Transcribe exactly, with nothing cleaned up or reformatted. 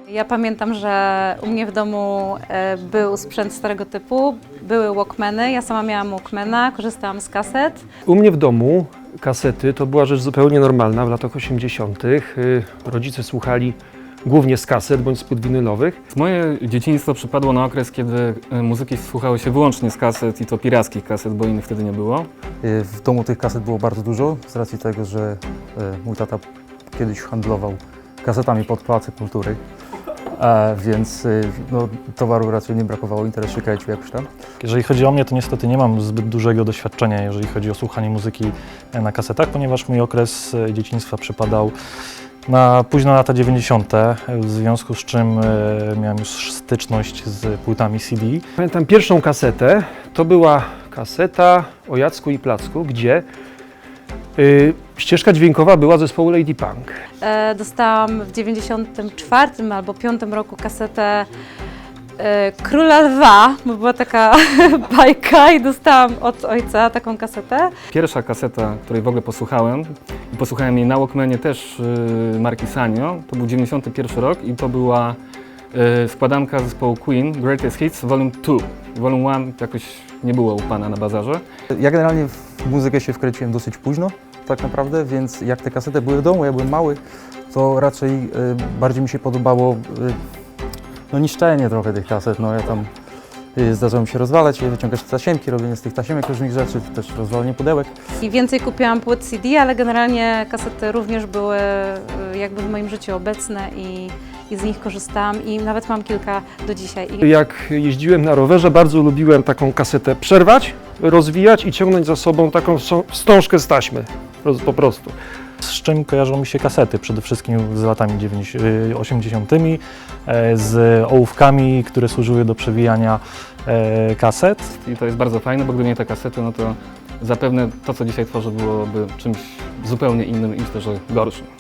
Ja pamiętam, że u mnie w domu e, był sprzęt starego typu, były Walkmany, ja sama miałam Walkmana, korzystałam z kaset. U mnie w domu kasety to była rzecz zupełnie normalna w latach osiemdziesiątych. Rodzice słuchali głównie z kaset bądź z płyt winylowych. Moje dzieciństwo przypadło na okres, kiedy muzyki słuchało się wyłącznie z kaset i to pirackich kaset, bo innych wtedy nie było. W domu tych kaset było bardzo dużo, z racji tego, że mój tata kiedyś handlował kasetami pod Pałacy Kultury, a więc no, towaru raczej nie brakowało, interesy czy jakoś tam. Jeżeli chodzi o mnie, to niestety nie mam zbyt dużego doświadczenia, jeżeli chodzi o słuchanie muzyki na kasetach, ponieważ mój okres dzieciństwa przypadał na późne lata dziewięćdziesiąte, w związku z czym miałem już styczność z płytami C D. Pamiętam pierwszą kasetę, to była kaseta o Jacku i Placku, gdzie y, ścieżka dźwiękowa była zespołu Lady Punk. E, dostałam w dziewięćdziesiątym czwartym albo piątym roku kasetę e, Króla Lwa, bo była taka bajka i dostałam od ojca taką kasetę. Pierwsza kaseta, której w ogóle posłuchałem, i posłuchałem jej na Walkmanie też yy, marki Sanyo, to był dziewięćdziesiąty pierwszy rok i to była yy, składanka zespołu Queen, Greatest Hits Volume two. Volume one jakoś nie było u pana na bazarze. Ja generalnie w muzykę się wkręciłem dosyć późno, tak naprawdę, więc jak te kasety były w domu, ja byłem mały, to raczej y, bardziej mi się podobało y, no, niszczenie trochę tych kaset. No, ja tam y, zdarzało mi się rozwalać, wyciągać tasiemki, robienie z tych tasiemek różnych rzeczy, też rozwalenie pudełek. I więcej kupiłam płyt C D, ale generalnie kasety również były e, jakby w moim życiu obecne i, i z nich korzystałam i nawet mam kilka do dzisiaj. I Jak jeździłem na rowerze, bardzo lubiłem taką kasetę przerwać, rozwijać i ciągnąć za sobą taką wstążkę z taśmy, po prostu. Z czym kojarzą mi się kasety? Przede wszystkim z latami osiemdziesiątymi, z ołówkami, które służyły do przewijania kaset. I to jest bardzo fajne, bo gdyby nie te kasety, no to zapewne to, co dzisiaj tworzę, byłoby czymś zupełnie innym i myślę, że gorszym.